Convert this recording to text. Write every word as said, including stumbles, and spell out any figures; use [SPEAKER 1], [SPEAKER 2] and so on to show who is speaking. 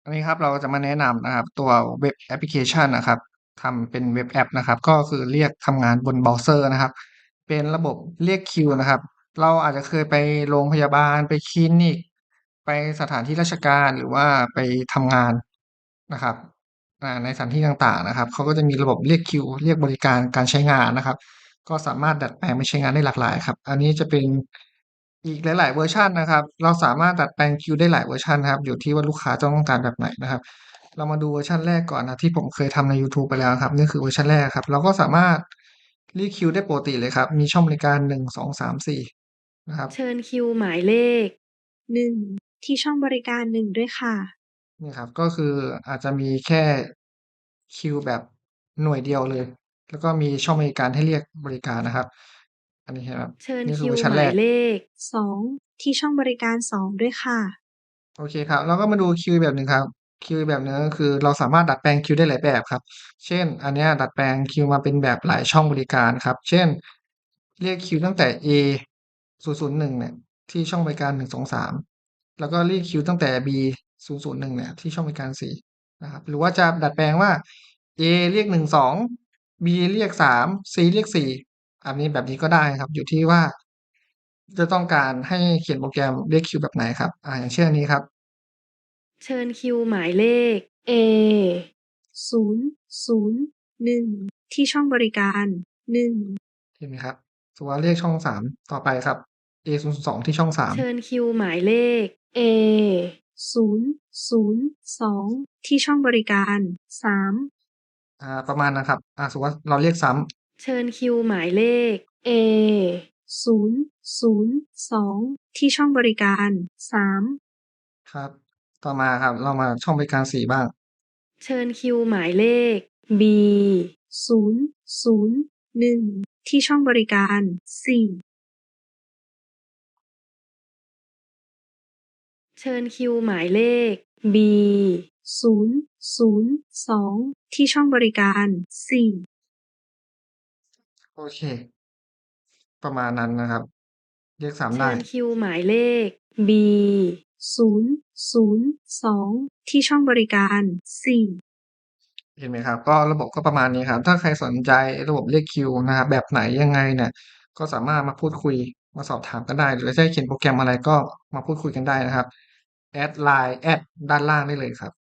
[SPEAKER 1] อันนี้ครับเราจะมาแนะนำนะครับตัวเว็บแอปพลิเคชันนะครับทำเป็นเว็บแอปนะครับก็คือเรียกทำงานบนเบราว์เซอร์นะครับเป็นระบบเรียกคิวนะครับเราอาจจะเคยไปโรงพยาบาลไปคลินิกไปสถานที่ราชการหรือว่าไปทำงานนะครับอ่าในสถานที่ต่างๆนะครับเขาก็จะมีระบบเรียกคิวเรียกบริการการใช้งานนะครับก็สามารถดัดแปลงไปใช้งานได้หลากหลายครับอันนี้จะเป็นอีกหลายๆเวอร์ชันนะครับเราสามารถดัดแปลงคิวได้หลายเวอร์ชันครับอยู่ที่ว่าลูกค้าจะต้องการแบบไหนนะครับ เรามาดูเวอร์ชันแรกก่อนนะที่ผมเคยทำในยูทูบไปแล้วครับนี่คือเวอร์ชันแรกครับเราก็สามารถเรียกคิวได้ปกติเลยครับมีช่องบริการหนึ่ง สอง สาม สี่นะครับ
[SPEAKER 2] เชิญคิวหมายเลขหนึ่งที่ช่องบริการหนึ่งด้วยค่ะ
[SPEAKER 1] นี่ครับก็คืออาจจะมีแค่คิวแบบหน่วยเดียวเลยแล้วก็มีช่องบริการให้เรียกบริการนะครับอันนี้ครับ
[SPEAKER 2] เชิญ
[SPEAKER 1] นี่คือ
[SPEAKER 2] คิว
[SPEAKER 1] เวอร์ชันแรก
[SPEAKER 2] หมายเลขสองที่ช่องบริการสองด้วยค่ะ
[SPEAKER 1] โอเคครับเราก็มาดูคิวแบบหนึ่งครับคิวแบบหนึ่งก็คือเราสามารถดัดแปลงคิวได้หลายแบบครับเช่นอันเนี้ยดัดแปลงคิวมาเป็นแบบหลายช่องบริการครับเช่นเรียกคิวตั้งแต่ A ศูนย์ ศูนย์ หนึ่งเนี่ยที่ช่องบริการหนึ่ง สอง สามแล้วก็เรียกคิวตั้งแต่ B ศูนย์ ศูนย์ หนึ่งเนี่ยที่ช่องบริการสี่นะครับหรือว่าจะดัดแปลงว่า A เรียกหนึ่ง สอง B เรียกสาม C เรียกสี่อันนี้แบบนี้ก็ได้ครับอยู่ที่ว่าจะต้องการให้เขียนโปรแกรมเรียกคิวแบบไหนครับอ่าอย่างเช่นอันนี้ครับ
[SPEAKER 2] เชิญคิวหมายเลข A ศูนย์ ศูนย์ หนึ่งที่ช่องบริการหนึ่ง
[SPEAKER 1] เห็นไหมครับสมมุติว่าเลขช่องสามต่อไปครับ เอ ศูนย์ สองที่ช่องสาม
[SPEAKER 2] เชิญคิวหมายเลข A ศูนย์ ศูนย์ สองที่ช่องบริการสาม
[SPEAKER 1] อ่าประมาณนั้นครับอ่าสมมุติว่าเราเรียกซ้
[SPEAKER 2] เชิญคิวหมายเลข A ศูนย์ ศูนย์ สองที่ช่องบริการสาม
[SPEAKER 1] ำครับต่อมาครับเรามาช่องบริการสี่บ้าง
[SPEAKER 2] เชิญคิวหมายเลข B ศูนย์ ศูนย์ หนึ่งที่ช่องบริการสี่เชิญคิวหมายเลข B ศูนย์ ศูนย์ สองที่ช่องบริการสี่
[SPEAKER 1] โอเคประมาณนั้นนะครับเรียกซ้ำ
[SPEAKER 2] เชิ
[SPEAKER 1] ได้
[SPEAKER 2] ญคิวหมายเลข B ศูนย์ ศูนย์ สองที่ช่องบริการสี่
[SPEAKER 1] เห็นไหมครับก็ระบบก็ประมาณนี้ครับถ้าใครสนใจระบบเรียกคิวนะครับแบบไหนยังไงเนี่ยก็สามารถมาพูดคุยมาสอบถามกันได้หรือจะให้เขียนโปรแกรมอะไรก็มาพูดคุยกันได้นะครับแอดไลน์แอดด้านล่างได้เลยครับ